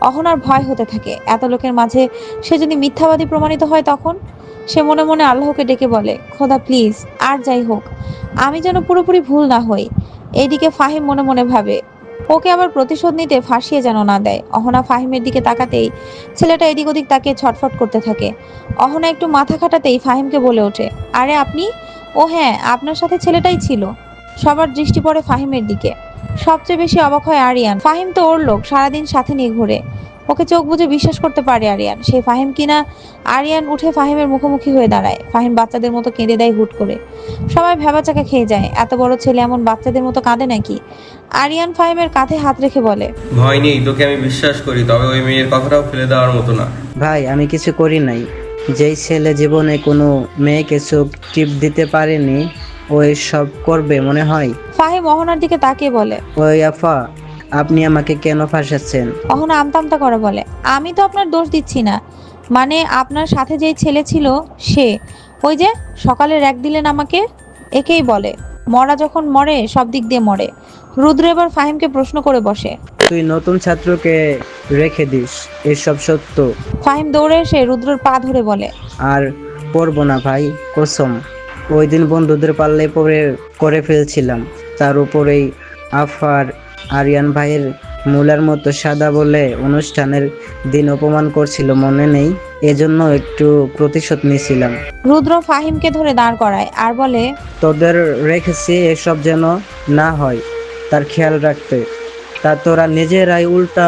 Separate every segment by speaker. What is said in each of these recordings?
Speaker 1: অহনার ভয় হতে থাকে, এত লোকের মাঝে সে যদি মিথ্যাবাদী প্রমাণিত হয় তখন। সে মনে মনে আল্লাহকে ডেকে বলে, খোদা প্লিজ, আর যাই হোক আমি যেন পুরোপুরি ভুল না হই। এইদিকে ফাহিম মনে মনে ভাবে, ওকে আবার প্রতিশোধ নিতে ফাঁসিয়ে যেন না দেয়। অহনা ফাহিমের দিকে তাকাতেই ছেলেটা এদিক ওদিক তাকিয়ে ছটফট করতে থাকে। অহনা একটু মাথা খাটাতেই ফাহিমকে বলে ওঠে, আরে আপনি? ও হ্যাঁ, আপনার সাথে ছেলেটাই ছিল। সবার দৃষ্টি পড়ে ফাহিমের দিকে। সবচেয়ে বেশি অবাক হয় আরিয়ান। ফাহিম তো ওর লোক, সারাদিন সাথে নিয়ে ঘুরে। ওকে চোখ বুজে বিশ্বাস করতে পারে আরিয়ান, সে ফাহিম কিনা। আরিয়ান উঠে ফাহিমের মুখোমুখি হয়ে দাঁড়ায়। ফাহিম বাচ্চাদের মতো কেঁদে দেয় হুট করে। সবাই ভ্যাবাচাকা খেয়ে যায়, এত বড় ছেলে এমন বাচ্চাদের মতো কাঁদে নাকি। আরিয়ান ফাহিমের কাঁধে হাত রেখে বলে,
Speaker 2: ভয় নেই, তোকে আমি বিশ্বাস করি, তবে ওই মেয়ের কথাটাও ফেলে দেওয়ার মতো না।
Speaker 3: ভাই আমি কিছু করি নাই। যেই ছেলে জীবনে কোনো মেয়েকে চোখ টিপ দিতে পারেনি ও এসব করবে মনে হয়?
Speaker 1: ফাহিম অহনার দিকে তাকিয়ে বলে,
Speaker 3: ওই আফা, আপনি আমাকে কেন ফাঁসাচ্ছেন?
Speaker 1: অহনা আমতা আমতা করে বলে, আমি তো আপনার দোষ দিচ্ছি না। মানে আপনার সাথে যেই ছেলে ছিল সে, ওই যে সকালে র্যাক দিলেন আমাকে, একেই বলে মরা যখন মরে সব দিক দিয়ে মরে। রুদ্র এবার ফাহিমকে প্রশ্ন করে বসে।
Speaker 3: তুই নতুন ছাত্রকে রেখে দিস, এসব সত্য।
Speaker 1: ফাহিম দৌড়ে এসে রুদ্রর পা ধরে বলে,
Speaker 3: আর পড়বো না ভাই, কসম। ওই দিন বন্ধুদের পাল্লে পড়ে করে ফেলছিলাম, তার উপরেই আফার আরিয়ান ভাইয়ের মুলার মতো সাদা বলে অনুষ্ঠানের দিন অপমান করছিল মনে নেই? এজন্য একটু প্রতিশোধ নিয়েছিলাম।
Speaker 1: রুদ্র ফাহিমকে ধরে দাঁড় করায় আর বলে,
Speaker 3: তোদের রেখেছি এসব যেন না হয় তার খেয়াল রাখতে। তা তোরা নিজেরাই উল্টা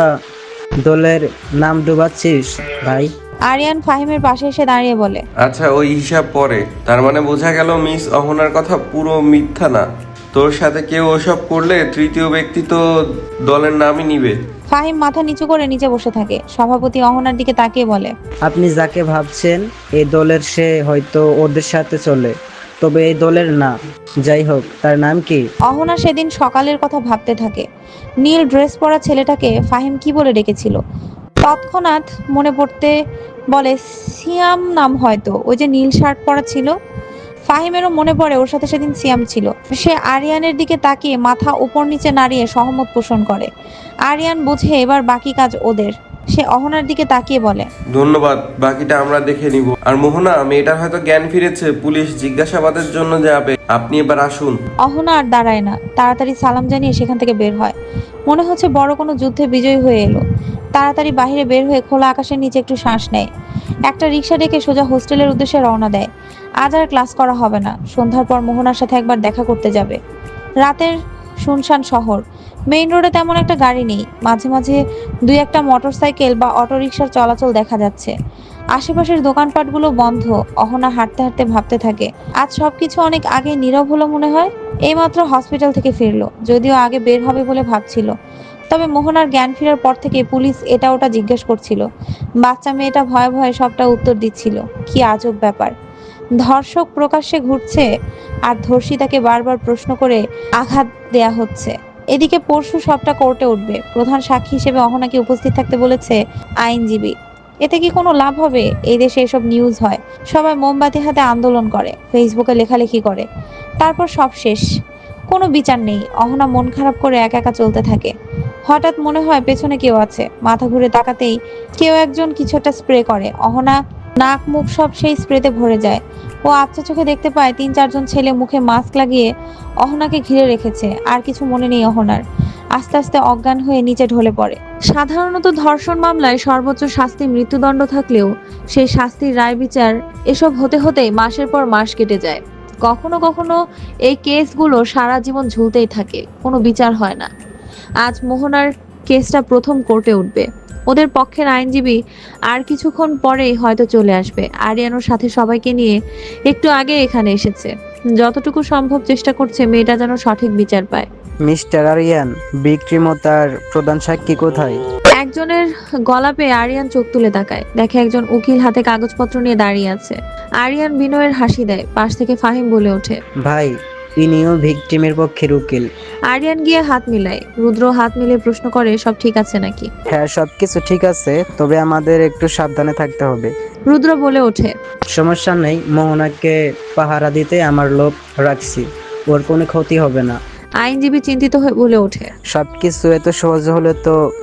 Speaker 3: দলের নাম ডুবাচ্ছিস ভাই।
Speaker 1: আরিয়ান ফাহিমের পাশে এসে দাঁড়িয়ে বলে,
Speaker 2: আচ্ছা, ওই হিসাব পরে। তার মানে বোঝা গেল মিস অহনার কথা পুরো মিথ্যা না। তোর সাথে কেউ ওসব করলে তৃতীয় ব্যক্তি তো দলের নামই নিবে।
Speaker 1: ফাহিম মাথা নিচু করে নিচে বসে থাকে। সভাপতি অহনার দিকে তাকিয়ে বলে,
Speaker 3: আপনি যাকে ভাবছেন এই দলের সে হয়তো ওদের সাথে চলে, তবে এই দলের না। যাই হোক, তার নাম কি?
Speaker 1: অহনা সেদিন সকালের কথা ভাবতে থাকে। নীল ড্রেস পরা ছেলেটাকে ফাহিম কি বলে ডেকেছিল তৎক্ষণাৎ মনে পড়তে বলে, সিয়াম নাম হয়তো, ওই যে নীল শার্ট পরা ছিল। ফাহিমেরও মনে পড়ে ওর সাথে সেদিন সিয়াম ছিল। সে আরিয়ানের দিকে তাকিয়ে মাথা উপর নিচে নাড়িয়ে সহমত পোষণ করে। আরিয়ান বুঝে এবার বাকি কাজ ওদের। সে অহনার দিকে তাকিয়ে বলে,
Speaker 2: ধন্যবাদ, বাকিটা আমরা দেখে নিব। আর মোহনা, মেয়েটার হয়তো জ্ঞান ফিরেছে, পুলিশ জিজ্ঞাসাবাদের জন্য যাবে, আপনি এবার আসুন।
Speaker 1: অহনা আর দাঁড়ায় না, তাড়াতাড়ি সালাম জানিয়ে সেখান থেকে বের হয়। মনে হচ্ছে বড় কোনো যুদ্ধে বিজয়ী হয়ে এলো। তাড়াতাড়ি বাইরে বের হয়ে খোলা আকাশের নিচে একটু শ্বাস নেয়। একটা রিক্সা ডেকে সোজা হোস্টেলের উদ্দেশ্যে রওনা দেয়। আজ আর ক্লাস করা হবে না। সন্ধ্যার পর মোহনার সাথে একবার দেখা করতে যাবে। রাতের শুনশান শহর, মেইন রোডে তেমন একটা গাড়ি নেই। মাঝে মাঝে দুই একটা মোটরসাইকেল বা অটোরিকশার চলাচল দেখা যাচ্ছে। আশেপাশের দোকানপাটগুলো বন্ধ। অহনা হাঁটতে হাঁটতে ভাবতে থাকে, আজ সবকিছু অনেক আগে নীরব হলো মনে হয়। এইমাত্র হসপিটাল থেকে ফিরলো, যদিও আগে বের হবে বলে ভাবছিল। তবে মোহনার জ্ঞান ফেরার পর থেকে পুলিশ এটা ওটা জিজ্ঞেস করছিল। বাচ্চা মেয়েটা ভয়ে ভয়ে সবটা উত্তর দিচ্ছিল। কি আজব ব্যাপার, ধর্ষক প্রকাশ্যে ঘুরছে আর ধর্ষিতাকে বারবার প্রশ্ন করে আঘাত দেয়া হচ্ছে। এদিকে পরশু সবটা কোর্টে উঠবে। প্রধান সাক্ষী হিসেবে অহনাকে উপস্থিত থাকতে বলেছে আইনজীবী। এতে কি কোনো লাভ হবে? এই দেশে এসব নিউজ হয়, সবাই মোমবাতি হাতে আন্দোলন করে, ফেসবুকে লেখালেখি করে, তারপর সব শেষ, কোনো বিচার নেই। অহনা মন খারাপ করে একা একা চলতে থাকে। হঠাৎ মনে হয় পেছনে কেউ আছে। মাথা ঘুরে তাকাতেই কেউ একজন কিছু একটা স্প্রে করে। অহনা নাক মুখ সব সেই স্প্রেতে ভরে যায়। ও আবছা চোখে দেখতে পায় ৩-৪ জন ছেলে মুখে মাস্ক লাগিয়ে অহনাকে ঘিরে রেখেছে। আর কিছু মনে নেই অহনার। আস্তে আস্তে অজ্ঞান হয়ে নিচে ঢলে পড়ে। সাধারণত ধর্ষণ মামলায় সর্বোচ্চ শাস্তি মৃত্যুদণ্ড থাকলেও সেই শাস্তির রায় বিচার এসব হতে হতেই মাসের পর মাস কেটে যায়। কখনো কখনো এই কেসগুলো সারা জীবন ঝুলতেই থাকে, কোনো বিচার হয় না। আজ মোহনার কেসটা প্রথম কোর্টে উঠবে। ওদের পক্ষের আইনজীবী আর কিছুক্ষণ পরেই হয়তো চলে আসবে। আরিয়ানোর সাথে সবাইকে নিয়ে একটু আগে এখানে এসেছে। যতটুকু সম্ভব চেষ্টা করছে মেয়েটা যেন সঠিক বিচার পায়।
Speaker 3: মিস্টার আরিয়ান, বিক্রিমতার প্রধান সাক্ষী কোথায়?
Speaker 1: একজনের গলা পেয়ে আরিয়ান চোখ তুলে তাকায়, দেখে একজন উকিল হাতে কাগজপত্র নিয়ে দাঁড়িয়ে আছে। আরিয়ান বিনয়ের হাসি দেয়। পাশ থেকে ফাহিম বলে ওঠে,
Speaker 3: ভাই, ইনিও ভিকটিমের পক্ষের উকিল।
Speaker 1: আরিয়ান গিয়ে হাত মিলায়। রুদ্র হাত মিলিয়ে প্রশ্ন করে, সব ঠিক আছে নাকি?
Speaker 3: হ্যাঁ, সবকিছু ঠিক আছে, তবে আমাদের একটু সাবধানে থাকতে হবে।
Speaker 1: রুদ্র বলে ওঠে,
Speaker 3: সমস্যা নেই, মোহনাকে পাহারা দিতে আমার লোক রাখছি, ওর কোনো ক্ষতি হবে না।
Speaker 1: আইনজীবী চিন্তিত হয়ে বলে ওঠে,
Speaker 3: সবকিছু এত সহজ হলে তো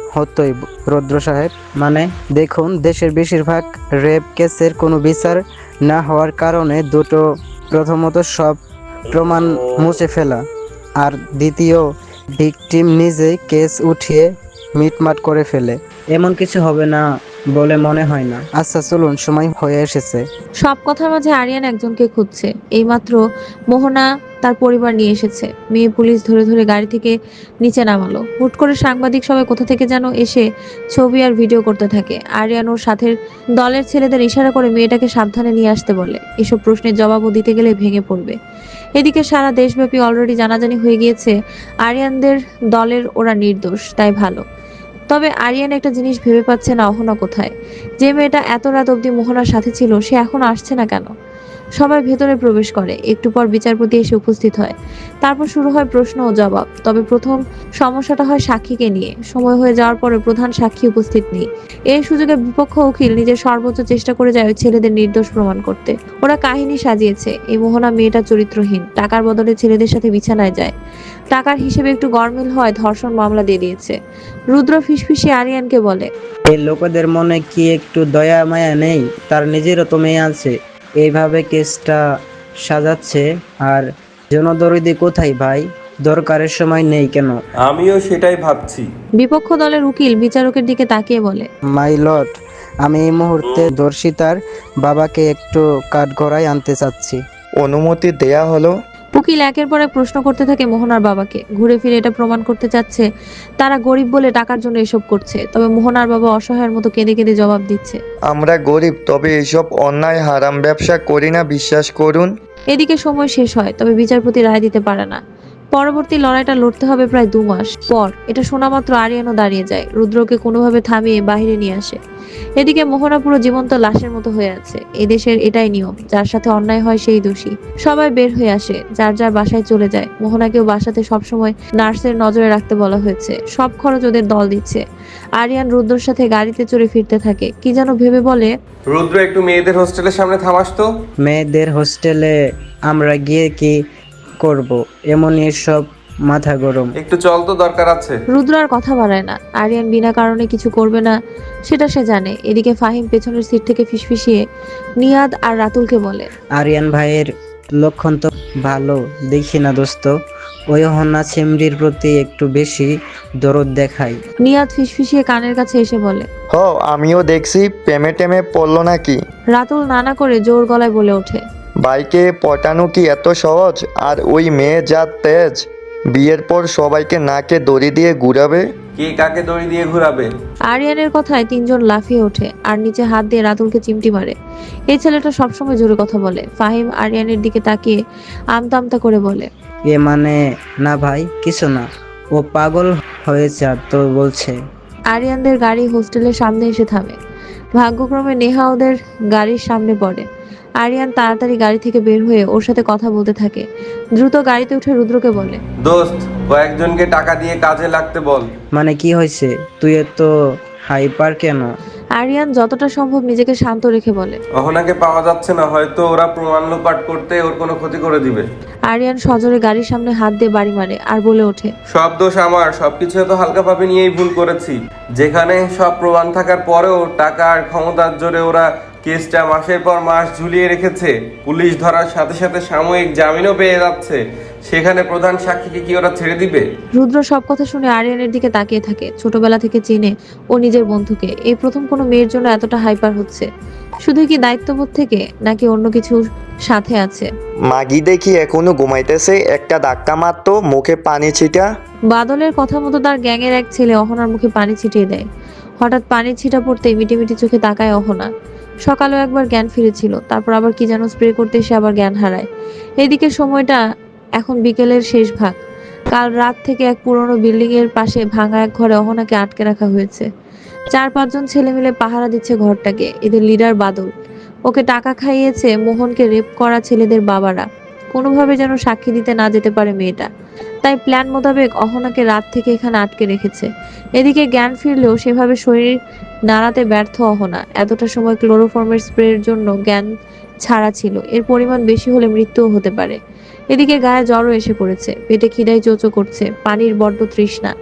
Speaker 3: হতোই রুদ্র সাহেব। মানে দেখুন, দেশের বেশিরভাগ রেপ কেসের কোনো বিচার না হওয়ার কারণে দুটো, প্রথমত সব প্রমাণ মুছে ফেলা, আর দ্বিতীয় ভিকটিম নিজেই কেস উঠিয়ে মিটমাট করে ফেলে। এমন কিছু হবে না বলে মনে হয় না। আচ্ছা চলুন, সময় হয়ে এসেছে।
Speaker 1: সব কথার মাঝে আরিয়ান একজনকে খুঁজছে। এইমাত্র মোহনা তার পরিবার নিয়ে এসেছে। মেয়ে পুলিশ ধরে ধরে গাড়ি থেকে নিচে নামালো। হুট করে সাংবাদিক সবাই কোথা থেকে যেন এসে ছবি আর ভিডিও করতে থাকে। আরিয়ান ওর সাথে দলের ছেলেদের ইশারা করে মেয়েটাকে সাবধানে নিয়ে আসতে বলে। এসব প্রশ্নের জবাবও দিতে গেলে ভেঙে পড়বে। এদিকে সারা দেশব্যাপী অলরেডি জানাজানি হয়ে গিয়েছে আরিয়ানদের দলের ওরা নির্দোষ, তাই ভালো। তবে আরিয়ান একটা জিনিস ভেবে পাচ্ছে না, অহনা কোথায়? যে মেয়েটা এত রাত অবধি মোহনার সাথে ছিল, সে এখন আসছে না কেন? সবাই ভেতরে প্রবেশ করে। একটু পর বিচারপতি এসে উপস্থিত হয়। তারপর শুরু হয় প্রশ্ন ও জবাব। তবে প্রথম সমস্যাটা হয় সাক্ষীকে নিয়ে। সময় হয়ে যাওয়ার পরে প্রধান সাক্ষী উপস্থিত নেই। এই সুযোগে বিপক্ষ উকিল নিজের সর্বোচ্চ চেষ্টা করে যায় ওই ছেলেদের নির্দোষ প্রমাণ করতে। ওরা কাহিনী সাজিয়েছে এই মোহনা মেয়েটা চরিত্রহীন, টাকার বদলে ছেলেদের সাথে বিছানায় যায়, টাকার হিসেবে একটু গরমিল হয়, ধর্ষণ মামলা দিয়ে দিয়েছে। রুদ্র ফিসফিসিয়ে আরিয়ানকে বলে,
Speaker 3: এই লোকেদের মনে কি একটু দয়া মায়া নেই? তার নিজেরও তো মেয়ে আছে, এইভাবে কেসটা সাজাচ্ছে। আর জনদরদি কোথায় ভাই? দরকারের সময় নেই কেন?
Speaker 2: আমিও সেটাই ভাবছি।
Speaker 1: বিপক্ষ দলের উকিল বিচারকের দিকে তাকিয়ে বলে,
Speaker 3: মাই লর্ড, আমি এই মুহূর্তে দর্শিতার বাবাকে একটু কাঠগড়ায় আনতে চাচ্ছি।
Speaker 4: অনুমতি দেয়া হলো।
Speaker 1: উকিল একের পর এক প্রশ্ন করতে থাকে মোহনার বাবাকে। ঘুরে ফিরে এটা প্রমাণ করতে চাচ্ছে তারা গরিব বলে টাকার জন্য এসব করছে। তবে মোহনার বাবা অসহায়ের মতো কেঁদে কেঁদে জবাব দিচ্ছে।
Speaker 4: আমরা গরিব, তবে এসব অন্যায় হারাম ব্যবসা করি না, বিশ্বাস করুন।
Speaker 1: এদিকে সময় শেষ হয়, তবে বিচারপতি রায় দিতে পারে না। পরবর্তী লড়াইটা লড়তে হবে প্রায় 2 মাস পর। এটা শোনা মাত্র আরিয়ানও দাঁড়িয়ে যায়, রুদ্রকে কোনোভাবে থামিয়ে বাইরে নিয়ে আসে। এদিকে মোহনা পুরো জীবন্ত লাশের মতো হয়ে আছে। এদেশের এটাই নিয়ম, যার সাথে অন্যায় হয় সেই দোষী। সবাই বের হয়ে আসে, যার যার বাসায় চলে যায়। মোহনাকেও বাসাতে সবসময় নার্সের নজরে রাখতে বলা হয়েছে। সব খরচ ওদের দল দিচ্ছে। আরিয়ান রুদ্রর সাথে গাড়িতে চড়ে ফিরতে থাকে। কি যেন ভেবে বলে,
Speaker 2: রুদ্র, একটু মেয়েদের হোস্টেলের সামনে থামাস তো।
Speaker 3: মেয়েদের হোস্টেলে আমরা গিয়ে কি করব? এমনই সব মাথা গরম।
Speaker 2: একটু চল তো, দরকার আছে।
Speaker 1: রুদ্র আর কথা বাড়ায় না। আরিয়ান বিনা কারণে কিছু করবে না সেটা সে জানে। এদিকে ফাহিম পেছনের সিট থেকে ফিসফিসিয়ে নিয়াদ আর রাতুলকে বলে,
Speaker 3: আরিয়ান ভাইয়ের লক্ষণ তো ভালো দেখি না দোস্ত। ওই হন্না চিমড়ির প্রতি একটু বেশি দরদ দেখায়।
Speaker 1: নিয়াদ ফিসফিসিয়ে কানের কাছে এসে বলে।
Speaker 4: আমিও দেখছি, প্রেমে টেমে পড়লো নাকি?
Speaker 1: রাতুল নানা করে জোর গলায় বলে ওঠে,
Speaker 4: ভাইকে পটানো কি এত সহজ? আর ওই মেয়ে যা তেজ, বিয়ের পর সবাইকে নাকে দড়ি দিয়ে ঘুরাবে।
Speaker 2: কে কাকে দড়ি দিয়ে ঘোরাবে?
Speaker 1: আরিয়ানের কথায় 3 জন লাফিয়ে ওঠে আর নিচে হাত দিয়ে রাতুলকে চিমটি মারে। এই ছেলেটা সবসময় জোরে কথা বলে। ফাহিম আরিয়ানের দিকে তাকিয়ে আমতা আমতা করে বলে,
Speaker 3: এ মানে না ভাই, কিছু না, ও পাগল হয়েছে আর তো বলছে।
Speaker 1: আরিয়ানদের গাড়ি হোস্টেলের সামনে এসে থামে। ভাগ্যক্রমে নেহা ওদের গাড়ির সামনে পড়ে। আরিয়ান তাড়াতাড়ি গাড়ি থেকে বের হয়ে ওর সাথে কথা বলতে থাকে। দ্রুত গাড়িতে উঠে রুদ্রকে বলে,
Speaker 2: দোস্ত, কয়েকজনকে টাকা দিয়ে কাজে লাগতে বল।
Speaker 3: মানে কি হয়েছে? তুই এত হাইপার কেন?
Speaker 1: আরিয়ান যতটা সম্ভব নিজেকে শান্ত রেখে বলে।
Speaker 2: অহনাকে পাওয়া যাচ্ছে না, হয়তো ওরা প্রমাণ লোপাট করতে ওর কোনো ক্ষতি করে দিবে।
Speaker 1: আরিয়ান সজোরে গাড়ির সামনে হাত দিয়ে বাড়ি মারে আর বলে ওঠে,
Speaker 2: সব দোষ আমার, সবকিছু এত হালকাভাবে নিয়েই ভুল করেছি। যেখানে সব প্রমাণ থাকার পরেও টাকা আর ক্ষমতার জোরে ওরা কেসটা মাসের পর মাস ঝুলিয়ে রেখেছে। পুলিশ ধরার সাথে সাথে সাময়িক জামিনও পেয়ে যাচ্ছে। সেখানে প্রধান সাক্ষীকে কি ওরা ছেড়ে দিবে?
Speaker 1: রুদ্র সব কথা শুনে আরিয়ানের দিকে তাকিয়ে থাকে। ছোটবেলা থেকে চেনে ও নিজের বন্ধুকে। এই প্রথম কোনো মেয়ের জন্য এতটা হাইপার হচ্ছে। শুধু কি দায়িত্ববোধ থেকে, নাকি অন্য কিছুর সাথে আছে?
Speaker 4: মাগি দেখি এখনো ঘুমাইতেছে, একটা ধাক্কা মারতো, মুখে পানি ছিটা।
Speaker 1: বাদলের কথা মতো তার গ্যাংয়ের এক ছেলে অহনার মুখে পানি ছিটিয়ে দেয়। হঠাৎ পানির ছিটা পড়তে মিটিমিটি চোখে তাকায় অহনা। সকালেও একবার জ্ঞান ফিরেছিল, তারপর আবার কি যেন স্প্রে করতে এসে আবার জ্ঞান হারায়। এদিকে সময়টা এখন বিকেলের শেষ ভাগ। কাল রাত থেকে এক পুরনো বিল্ডিং এর পাশে ভাঙা এক ঘরে অহনাকে আটকে রাখা হয়েছে। 4-5 জন ছেলে মিলে পাহারা দিচ্ছে ঘরটাকে। এদের লিডার বাদল। ওকে টাকা খাইয়েছে মোহনকে রেপ করা ছেলেদের বাবারা। কোনোভাবে যেন সাক্ষী দিতে না যেতে পারে মেয়েটা। তাই প্ল্যান মোতাবেক অহনাকে রাত থেকে এখানে আটকে রেখেছে। এদিকে জ্ঞান ফিরলেও সেভাবে শরীর নাড়াতে ব্যর্থ অহনা। এতটা সময় ক্লোরোফর্মের স্প্রের জন্য জ্ঞান ছাড়া ছিল। এর পরিমাণ বেশি হলে মৃত্যুও হতে পারে। এদিকে গায়ে জ্বরও এসে পড়েছে, পেটে খিদায় চোচো করছে, পানির বড্ড তৃষ্ণা।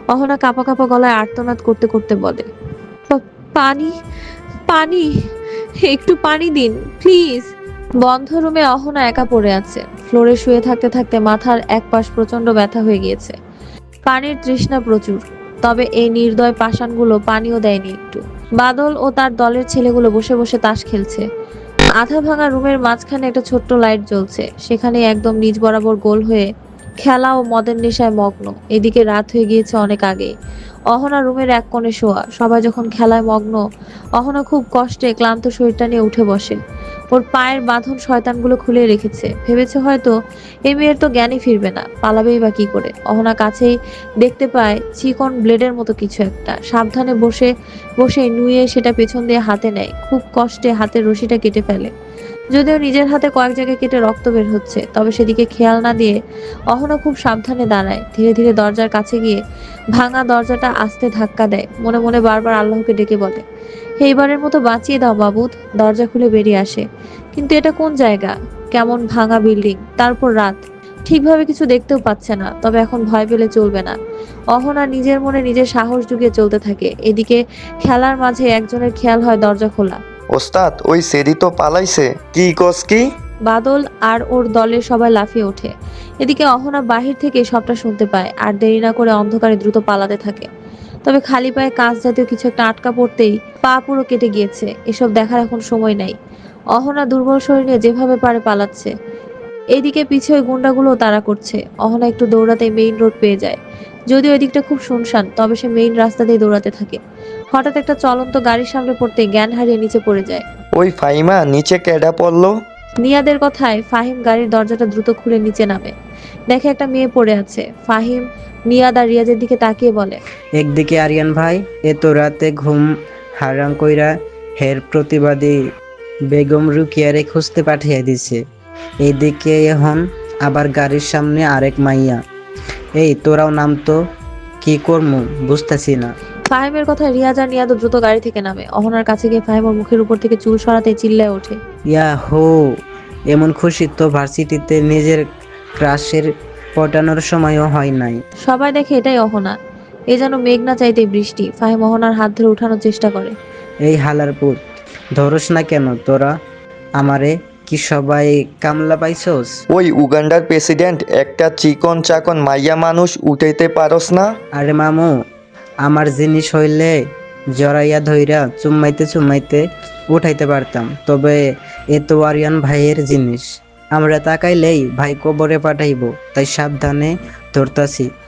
Speaker 1: অহনা কাঁপা কাঁপা গলায় আর্তনাদ করতে করতে বলে, পানি, পানি, একটু পানি দিন প্লিজ। বন্ধ রুমে অহনা একা পড়ে আছে। ফ্লোরে শুয়ে থাকতে থাকতে মাথার এক পাশ প্রচন্ড ব্যথা হয়ে গিয়েছে। পানির তৃষ্ণা প্রচুর, তবে এই নির্দয় পাষাণগুলো পানিও দেয়নি একটু। বাদল ও তার দলের ছেলেগুলো বসে বসে তাস খেলছে। আধা ভাঙা রুমের মাঝখানে একটা ছোট্ট লাইট জ্বলছে, সেখানে একদম নিচ বরাবর গোল হয়ে খেলা ও মদের নেশায় মগ্ন। এদিকে রাত হয়ে গিয়েছে অনেক আগে। অহনা রুমের এক কোণে শোয়া। সবাই যখন খেলায় মগ্ন, অহনা খুব কষ্টে ক্লান্ত শরীরটা নিয়ে উঠে বসে। ওর পায়ের বাঁধন শয়তানগুলো খুলে রেখেছে। ভেবেছে হয়তো এই মেয়ের তো জ্ঞানই ফিরবে না, পালাবেই বা কি করে। অহনা কাছেই দেখতে পায় চিকন ব্লেডের মতো কিছু একটা। সাবধানে বসে বসে নুয়ে সেটা পেছন দিয়ে হাতে নেয়। খুব কষ্টে হাতের রশিটা কেটে ফেলে। যদিও নিজের হাতে কয়েক জায়গায় কেটে রক্ত বের হচ্ছে, তবে সেদিকে খেয়াল না দিয়ে অহনা খুব সাবধানে দাঁড়ায়। ধীরে ধীরে দরজার কাছে গিয়ে ভাঙা দরজাটা আস্তে ধাক্কা দেয়। মনে মনে বারবার আল্লাহকে ডেকে বলে, এইবারের মতো বাঁচিয়ে দাও মাবুদ। দরজা খুলে বেরিয়ে আসে। কিন্তু এটা কোন জায়গা? কেমন ভাঙা বিল্ডিং, তারপর রাত, ঠিকভাবে কিছু দেখতেও পাচ্ছে না। তবে এখন ভয় পেলে চলবে না। অহনা নিজের মনে নিজের সাহস জুগিয়ে চলতে থাকে। এদিকে খেলার মাঝে একজনের খেয়াল হয় দরজা খোলা।
Speaker 4: ওস্তাদ, ওই সেরি তো পালাইছে। কি কস কি?
Speaker 1: বাদল আর ওর দলের সবাই লাফিয়ে ওঠে। এদিকে অহনা বাহির থেকে সবটা শুনতে পায় আর দেরি না করে অন্ধকারে দ্রুত পালাতে থাকে। তবে খালি পায়ে কাঁচ জাতীয় কিছু একটা আটকা পড়তেই পা পুরো কেটে গিয়েছে। এসব দেখার এখন সময় নাই। অহনা দুর্বল শরীর নিয়ে যেভাবে পারে পালাচ্ছে। এইদিকে পিছে ওই গুন্ডাগুলো তাড়া করছে। অহনা একটু দৌড়াতে মেইন রোড পেয়ে যায়। যদিও ওই দিকটা খুব শুনশান, তবে সে মেইন রাস্তা দিয়ে দৌড়াতে থাকে। হঠাৎ একটা চলন্ত গাড়ির সামনে পড়তে জ্ঞান হারিয়ে নিচে পড়ে যায়।
Speaker 4: ওই ফাইমা, নিচে কেডা পড়লো?
Speaker 1: নিয়াদের কথায় ফাহিম গাড়ির দরজাটা দ্রুত খুলে নিচে নামে। দেখে একটা মেয়ে পড়ে আছে। ফাহিম নিয়াদ আর রিয়াজের দিকে তাকিয়ে বলে,
Speaker 3: একদিকে আরিয়ান ভাই এত রাতে ঘুম হারাম কইরা হের প্রতিবাদী বেগম রুকিয়ারে খুঁজতে পাঠিয়ে দিছে। এইদিকে এখন আবার গাড়ির সামনে আরেক মাইয়া। এই তোরাও নাম তো, কি করমু বুঝতেছি না।
Speaker 1: ফাহিমের কথায় রিয়াজ আর নিয়াদ দ্রুত গাড়ি থেকে নামে। অহনার কাছে গিয়ে ফাহিম ওর মুখের উপর থেকে চুল সরাতে চিল্লায় ওঠে,
Speaker 3: ইয়া হো, এমন খুশি তো ভার্সিটিতে নিজের ক্রাশের পটানোর সময়ও হয় নাই।
Speaker 1: সবাই দেখে এটাই অহনা। এ যেন মেঘ না চাইতে বৃষ্টি। ফাহিম অহনার হাত ধরে উঠানোর চেষ্টা করে।
Speaker 3: এই হালার পুত, ধরস না কেন তোরা আমারে? কি সবাই কামলা পাইছস?
Speaker 4: ওই উগান্ডার প্রেসিডেন্ট একটা চিকন চাকন মাইয়া মানুষ উঠাইতে পারস না?
Speaker 3: আরে মামু, আমার জিনিস হইলে জড়াইয়া ধইরা চুম্মাইতে চুম্মাইতে উঠাইতে পারতাম, তবে এ তো আরিয়ান ভাইয়ের জিনিস। আমরা তাকাইলেই ভাই কবরে পাঠাইবো, তাই সাবধানে ধরতাছি।